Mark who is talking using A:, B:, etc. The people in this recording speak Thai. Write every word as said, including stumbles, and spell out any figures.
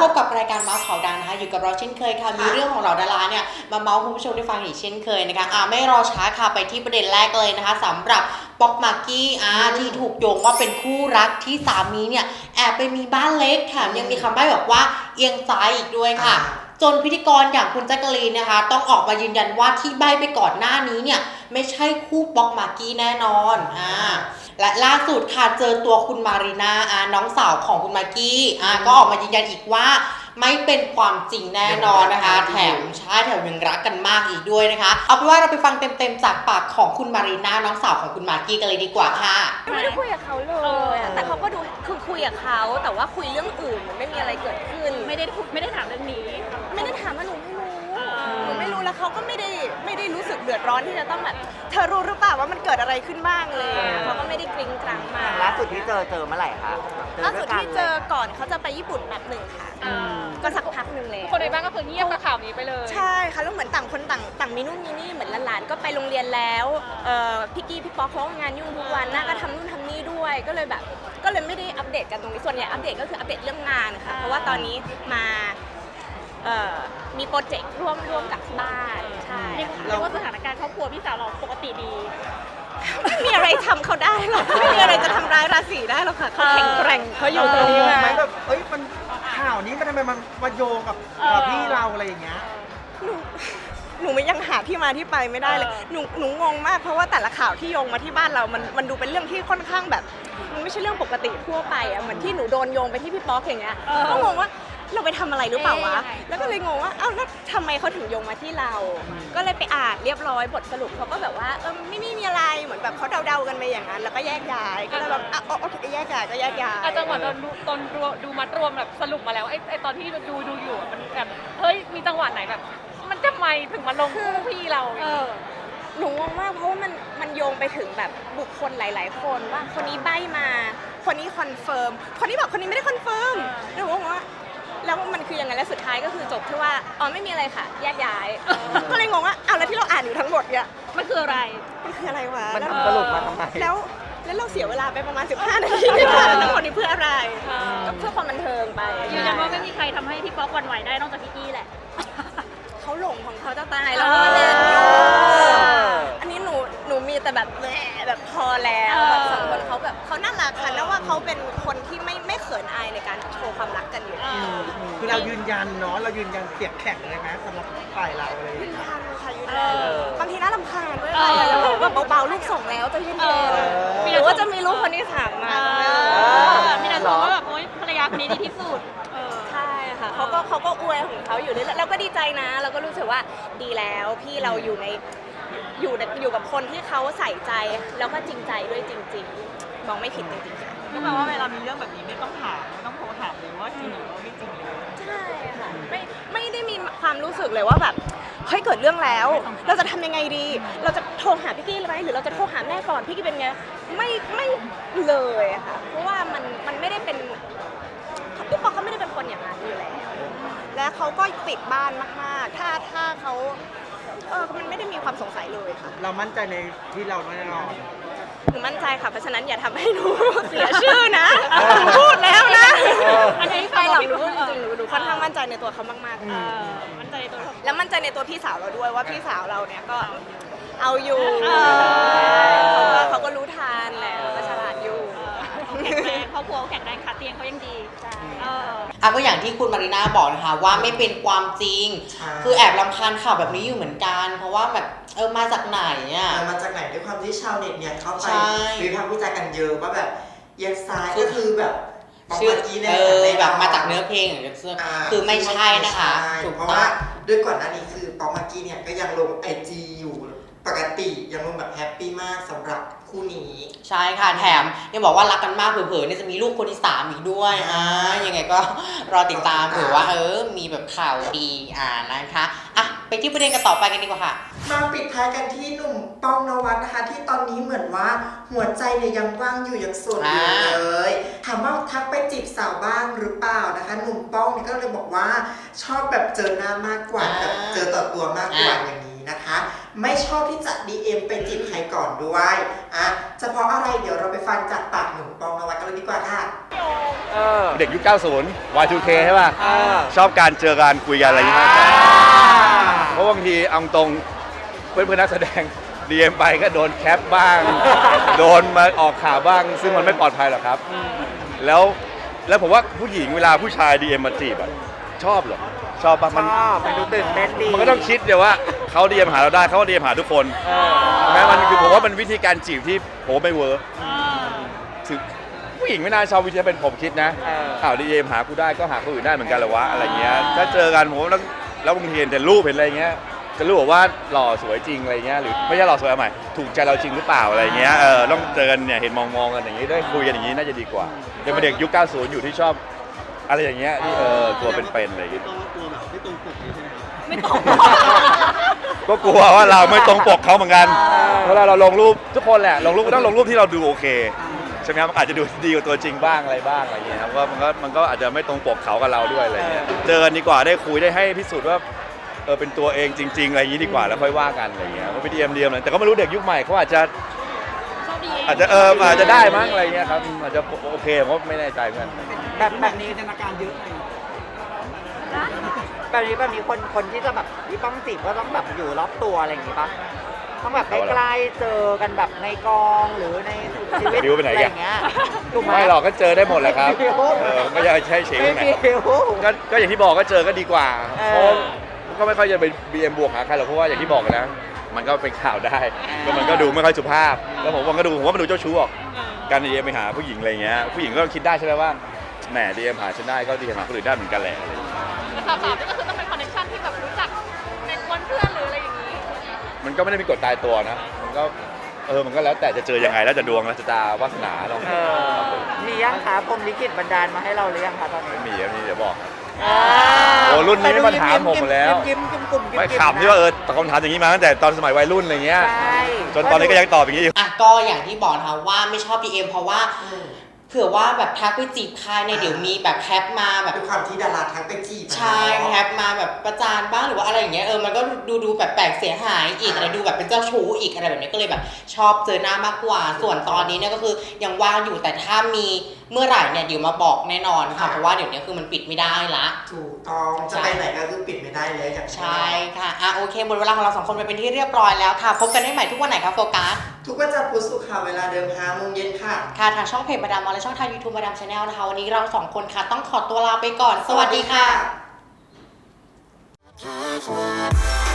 A: บกับรายการเมาส์ข่าวดังนะคะอยู่กับเราเช่นเคยค่ะมีเรื่องของเราดาราเนี่ยมาเมาส์คุณผู้ชมได้ฟังอีกเช่นเคยนะคะอ่าไม่รอช้าค่ะไปที่ประเด็นแรกเลยนะคะสำหรับป๊อกมากกี้อ่าที่ถูกโยงว่าเป็นคู่รักที่สามีเนี่ยแอบไปมีบ้านเล็กแถมยังมีคำใบ้บอกว่าเอียงซ้ายอีกด้วยค่ะจนพิธีกรอย่างคุณแจ๊กกะลีนนะคะต้องออกมายืนยันว่าที่ใบ้ไปก่อนหน้านี้เนี่ยไม่ใช่คู่ป๊อกมากกี้แน่นอนอ่าและล่าสุดค่ะเจอตัวคุณมารีนาอ่าน้องสาวของคุณมากกี้อ่าก็ออกมายืนยันอีกว่าไม่เป็นความจริงแน่นอนนะคะแถมใช่แถมยังรักกันมากอีกด้วยนะคะเอาเป็นว่าเราไปฟังเต็มๆจากปากของคุณมารีนาน้องสาวของคุณมากกี้กันเลยดีกว่าค่ะ
B: ไม่ได้คุยกับเขาเลยแต่เขาก็ดูคือคุยกับเขาแต่ว่าคุยเรื่องอื่นมันไม่มีอะไรเกิดขึ้น
C: ไม่ได้ไม่ได้ถามเรื่องนี้
B: ไม่ได้ถามว่าหนูไม่รู้หนูไม่รู้แล้วเขาก็ไม่ได้ไม่ได้รู้สึกเดือดร้อนที่จะต้องแบบเธอรู้หรือเปล่าว่ามันเกิดอะไรขึ้นบ้างเลยเขาก็ไม่ได้กริ้งกรังมา
D: ล่าสุดที่เจอเจอเมื่อไหร่คะ
B: ล่าสุดที่เจอก่อนเขาจะไปญี่ปุ่นแบบหนึ่งค่ะก็สักพักหนึ่งเลย
C: คนในบ้านก็คือเงียบกับข่าวนี้ไปเลย
B: ใช่ค่ะแล้วเหมือนต่างคนต่างต่างมีนู่นมีนี่เหมือนหลานๆก็ไปโรงเรียนแล้วพี่กี้พี่ป๊อกเขางานยุ่งทุกวันน่าก็ทำนู่นทำนี่ด้วยก็เลยแบบก็เลยไม่ได้อัปเดตกันตรงนี้ส่วนใหญ่อัปเดตก็คืออัปเดตเรื่องงานค่ะเพราะว่าตอนนี้มามีโปรเจกต์ร่วมร่วมกับที่บ้านใช่
C: เรียกว่าสถานการณ์ครอบครัวพี่สาวเราปกติดี
B: ไม่มีอะไรทำเขาได้หรอกไม่มีอะไรจะทำร้ายราศีได้หรอกค่ะเขาแข็งแกร่งเขาอยู่ตรงนี้มา
D: แบบเอ้ยมันข่าวนี้มันทำไมมันมาโยงกับพี่เราอะไรอย่างเงี้ย
B: หนูหนูยังหาที่มาที่ไปไม่ได้เลยหนูหนูงงมากเพราะว่าแต่ละข่าวที่โยงมาที่บ้านเรามันมันดูเป็นเรื่องที่ค่อนข้างแบบมันไม่ใช่เรื่องปกติทั่วไปอ่ะเหมือนที่หนูโดนโยงไปที่พี่ป๊อกอย่างเงี้ยก็งงว่าเราไปทำอะไรหรือเปล่าวะแล้วก็เลยงงว่าเอ้าแล้วทำไมเขาถึงโยงมาที่เราก็เลยไปอ่านเรียบร้อยบทสรุปเขาก็แบบว่าเออไม่ไม่มีอะไรเหมือนแบบเขาเดาๆกันไปอย่างนั้นแล้วก็แยกย้ายก็เลยแบบอ่ะโอเคแยกย้ายก็แยกย้าย
C: จังหวะตอนดูตอนดูมัดรวมแบบสรุปมาแล้วไอ้ไอ้ตอนที่ดูดูอยู่มันแบบเฮ้ยมีจังหวะไหนแบบมันจะไม่ถึงมาลงคู่พี่เรา
B: เออหนูงงมากเพราะว่ามันมันโยงไปถึงแบบบุคคลหลายๆคนว่าคนนี้ใบ้มาคนนี้คอนเฟิร์มคนนี้บอกคนนี้ไม่ได้คอนเฟิร์มหนูงงว่าแล้วมันคือยังไงแล้วสุดท้ายก็คือจบที่ว่าอ๋อไม่มีอะไรค่ะแยกย้ายก็เลยงงว่าอ้าวแล้วที่เราอ่านอยู่ทั้งหมดเนี่ย
C: มันคืออะไร
B: มันคืออะไรวะ
D: มันสรุปมาทำไม
B: แล้วแล้วเราเสียเวลาไปประมาณสิบห้านาทีในการทั้งหมดนี้เพื่ออะไรก็เพื่อความบันเทิงไป
C: ยืนยันว่าไม่มีใครทำให้พี่ป๊อกหวั่นไหวได้นอกจากพี่กี้แหละ
B: เขาหลงของเขาจะตายแล้วก็เล่นอันนี้หนูหนูมีแต่แบบแหมแบบพอแล้วแบบสองคนเขาแบบเขาน่ารักค่ะแล้วว่าเขาเป็นคนที่ไม่ไม่เขินอายในการโชว์ความรักกันอยู่
D: คือเรายืนยันเนาะเรายืนยันเสียงแข็งเลยไหมสำหรับฝ่ายเราเลย
B: ยืนยันค่ะยืนยันบางทีน่ารำคาญด้วยแบบเบาๆลูกส่งแล้วจะยืนยันหรือว่าจะมีลูกคนที่สามมา
C: มีแต่บอกว่าแบบโอ๊ยภรรยาคนนี้ดีที่สุด
B: ใช่ค่ะเขาก็เขาก็อวยของเขาอยู่เรื่อยๆเราก็ดีใจนะเราก็รู้สึกว่าดีแล้วพี่เราอยู่ในอยู่อยู่กับคนที่เขาใส่ใจแล้วก็จริงใจด้วยจริงๆมองไม่ผิดจริงๆค่ะ
D: ก็แปลว่าเวลามีเรื่องแบบนี้ไม่ต้องถามไม่ต้องโทรถามเลยว่าจริงหรือว่าไม่จริง
B: ใช่ค่ะไม่ไม่ได้มีความรู้สึกเลยว่าแบบเฮ้ยเกิดเรื่องแล้วเราจะทำยังไงดีเราจะโทรหาพี่กี้เลยไหมหรือเราจะโทรหาแม่ก่อนพี่กี้เป็นไงไม่ไม่เลยค่ะเพราะว่ามันมันไม่ได้เป็นพี่ปอเขาไม่ได้เป็นคนอย่างนั้นอยู่แล้วและเขาก็ติดบ้านมากๆถ้าถ้าเขาเออมันไม่ได้มีความสงสัยเลยค่ะ
D: เรามั่นใจในที่เราแน่นอน
B: หนูมั่นใจค่ะเพราะฉะนั้นอย่าทำให้หนูเสียชื่อนะหนูพูดแล้วนะอันนี้ใครหรอกหนูพูดจริงหนูค่อนข้างมั่นใจในตัวเขามาก
C: ๆมั่นใจในตัว
B: แล้วมั่นใจในตัวพี่สาวเราด้วยว่าพี่สาวเราเนี่ยก็เอาอยู่เขาก็เขาก็รู้ทานแหละก็ฉลาดอยู่
C: แข็งแรงครอบครัวแข็งแรงขาเตียงเขายังดี
B: ใช่
A: อ่ะก็อย่างที่คุณมารีนาบอกนะคะว่าไม่เป็นความจริงคือแอบรำคาญข่าวแบบนี้อยู่เหมือนกันเพราะว่าแบบเออมาจากไหนอ่ะ
E: มาจากไหนด้วยความที่ชาวเน็ตเนี่ยเข้าไปวิพากษ์วิจารณ์กันเยอะว่าแบบเอียงซ้ายก็คือแบบ
A: ชื่อเออแบบมาจากเนื้อเพลงหรือเสื้อคือไม่ใช่นะคะ
E: ถูกเพราะว่าด้วยก่อนหน้านี้คือป๊อกมากกี้เนี่ยก็ยังลงไอจีอยู่ปกติยังลงแบบแฮปปี้มากสำหรับคู่นี้
A: ใช่ค่ะแถมยังบอกว่ารักกันมากเผลอๆเนี่ยจะมีลูกคนที่สามอีกด้วยอ่ายังไงก็รอติดตามเผื่อว่าเออมีแบบข่าวดีอ่านะคะอ่ะไปที่ประเด็นกันต่อไปกันดีกว่าค่ะ
E: มาปิดท้ายกันที่หนุ่มป้องนวัดนะคะที่ตอนนี้เหมือนว่าหัวใจเนี่ยยังว่างอยู่ยังโสดอยู่เลยถามว่าทักไปจีบสาวบ้างหรือเปล่านะคะหนุ่มป้องเนี่ยก็เลยบอกว่าชอบแบบเจอหน้ามากกว่าแบบเจอต่อตัวมากกว่าอย่างนี้นะคะไม่ชอบที่จะ ดี เอ็ม ไปจีบใครก่อนด้วยอ่ะจะเพราะอะไรเดี๋ยวเราไปฟังจากปากหนุ่มป้องนวัดกันเลยดีกว่าค่ะ
D: เออ
F: เด็กยุค เก้าสิบ วาย ทู เค ใช่ป่ะ
D: เออ
F: ชอบการเจอการคุยกันอะไรอย่างเงี้ยมากกว่าเพราะบางทีเอาตรงเพื่อนเพื่อนๆนักแสดง ดี เอ็ม ไปก็โดนแคปบ้าง โดนมาออกข่าวบ้าง ซึ่งมันไม่ปลอดภัยหรอกครับ แล้วแล้วผมว่าผู้หญิงเวลาผู้ชาย ดี เอ็ม มาจีบอะชอบเหรอ ชอบปะมัน
D: ชอบมันดูตื่นเต้นดี
F: มันก็ต้องคิดเดี๋ยวว่าเขา ดี เอ็ม หาเราได้เขาก็ ดี เอ็ม หาทุกคน
D: เออ
F: แม้มันคือผมว่ามันวิธีการจีบที่ผมว่าไม่เวิร์กถึงผู้หญิงไม่น่าชอบวิธีเป็นผมคิดนะ
D: เออ
F: ข่าว ดี เอ็ม หากูได้ก็หาคนอื่นได้เหมือนกันเหรอวะอะไรเงี้ยถ้าเจอกันผมว่าแล้วแล้วบางทีเห็นแต่รูปเห็นอะไรเงี้ยจะรู้ว่าหล่อสวยจริงอะไรเงี้ยหรือไม่ใช่หล่อสวยเอาใหม่ถูกใจเราจริงหรือเปล่าอะไรเงี้ยเออต้องเจอกันเนี่ยเห็นมองมองๆกันอย่างงี้ได้คุยกันอย่างงี้น่าจะดีกว่าเป็นเด็กยุค เก้าสิบ อยู่ที่ชอบอะไรอย่างเงี้ยที่เออตัวเป็นๆอะไรอย่างเงี้ย
C: ไม่ตรง
F: ก็กลัวว่าเราไม่ตรงปกเขาเหมือนกันเวลาเราลงรูปทุกคนแหละลงรูปก็ต้องลงรูปที่เราดูโอเคใช่ไหมครับอาจจะดูดีกว่าตัวจริงบ้างอะไรบ้างอะไรเงี้ยครับว่ามันก็มันก็อาจจะไม่ตรงปกเขากับเราด้วยอะไรเงี้ยเจอกันดีกว่าได้คุยได้ให้พิสูจน์ว่าเออเป็นตัวเองจริง ๆอะไรอย่างนี้ดีกว่าแล้วค่อยว่ากันอะไรเงี้ยว่าไปดีเอ็มดีเอ็มอะไรแต่ก็ไม่รู้เด็กยุคใหม่เขาอาจจะอาจจะเอออาจจะได้มั้งอะไรเงี้ยครับอาจจะโอเคผมก็ไม่แน่ใจเหมือนกัน
D: แบบแบบนี้จินตนาการเยอะเลยแบบนี้แบบนี้คนคนที่จะแบบที่ต้องจีบก็ต้องแบบอยู่รอบตัวอะไรอย่างงี้ปะต้องแบบใกล้ๆเจอกันแบบในกองหรือในชีวิต
F: บิวไปไหน
D: อะไร
F: กัน
D: อย่างเงี้ยถูกไหม
F: ไม่หรอกก็เจอได้หมดแหละครับเออไม่ใช่ใช่เฉย
D: ไม่
F: ไหน
D: มี
F: ก็ก็อย่างที่บอกก็เจอก็ดีกว่า
D: เอ
F: เพราะ
D: อ
F: ก็ไม่ค่อยจะไป บี เอ็ม บวกหาใครหรอกเพราะว่าอย่างที่บอกนะมันก็เป็นข่าวได้ก็มันก็ดูไม่ค่อยสุภาพแล้วผมว่าก็ดูผมว่ามันดูเจ้าชู้ออกการ ดี เอ็ม ไปหาผู้หญิงอะไรเงี้ยผู้หญิงก็คิดได้ใช่ไหมว่าแหม ดี เอ็ม หาฉันได้ก็ ดี เอ็ม หาคนอื่นได้เหมือนกันแหละอะไรอย่างเงี้ย
C: แต่สาวๆนี่ก็คือต้องเป็นคอนเนคชั่นที่แบบรู้จักในกวนเพื่อนหรืออะไรอย่างนี้
F: มันก็ไม่ได้มีกฎตายตัวนะมันก็เออมันก็แล้วแต่จะเจอยังไงแล้วจะดวงแล้วจะตาวาสนาเนาะ
D: เออมียังคะพรหมลิขิตบันดาลมาให้เราหรือยังคะตอนนี้
F: ไม่มีอันนี้เดี๋ยวบอกครับ
D: อ่า
F: โอ้รุ่นนี้ไม่มาถามผมหมดแล้ว
D: ยิ้มๆยิ้มๆกลุ่มๆยิ้มๆ
F: ไม่ขำที่ว่าเออตอบคำถามอย่างนี้มาตั้งแต่ตอนสมัยวัยรุ่นอะไรเงี้ย
D: ใช่
F: จนตอนนี้ก็ยังตอบอย่างนี้อยู่
A: อ่ะก็อย่างที่บอกนะคะว่าไม่ชอบ ดี เอ็ม เพราะว่าเผื่อว่าแบบทักไปจีบใครเนี่ยเดี๋ยวมีแบบแคปมาแบบ
E: ด้วยความที่ดาราทักไปจีบอะ
A: ใช่แคปมาแบบประจานบ้างหรือว่าอะไรอย่างเงี้ยเออมันก็ดูดูแบบแปลกเสียหายอีกอะไรดูแบบเป็นเจ้าชู้อีกอะไรแบบนี้ก็เลยแบบชอบเจอหน้ามากกว่า ส่วนตอนนี้เนี่ยก็คือยังว่างอยู่แต่ถ้ามีเมื่อไหร่เนี่ยเดี๋ยวมาบอกแน่นอนค่ะเพราะว่าเดี๋ยวนี้คือมันปิดไม่ได้ละ
E: ถูกต้องจะไปไหนก็คือปิดไม่ได้เลยอย่าง
A: ใช่ค่ะอ่ะโอเคหมดเวลาของเราสองคนไปเป็นที่เรียบร้อยแล้วค่ะพบกันได้ใหม่ทุกวันไหนคะโฟกัส
E: ทุกวันจันทร์พุธศุกร์ค่ะเวลาเดิมห้าโมงเย็นค่ะ
A: ค่ะทางช่องเพจมาดามมอลและช่องทาง YouTube มาดามชาแนลนะคะวันนี้เราสองคนค่ะต้องขอตัวลาไปก่อนสวัสดีค่ะ
E: สวัสดีค่ะ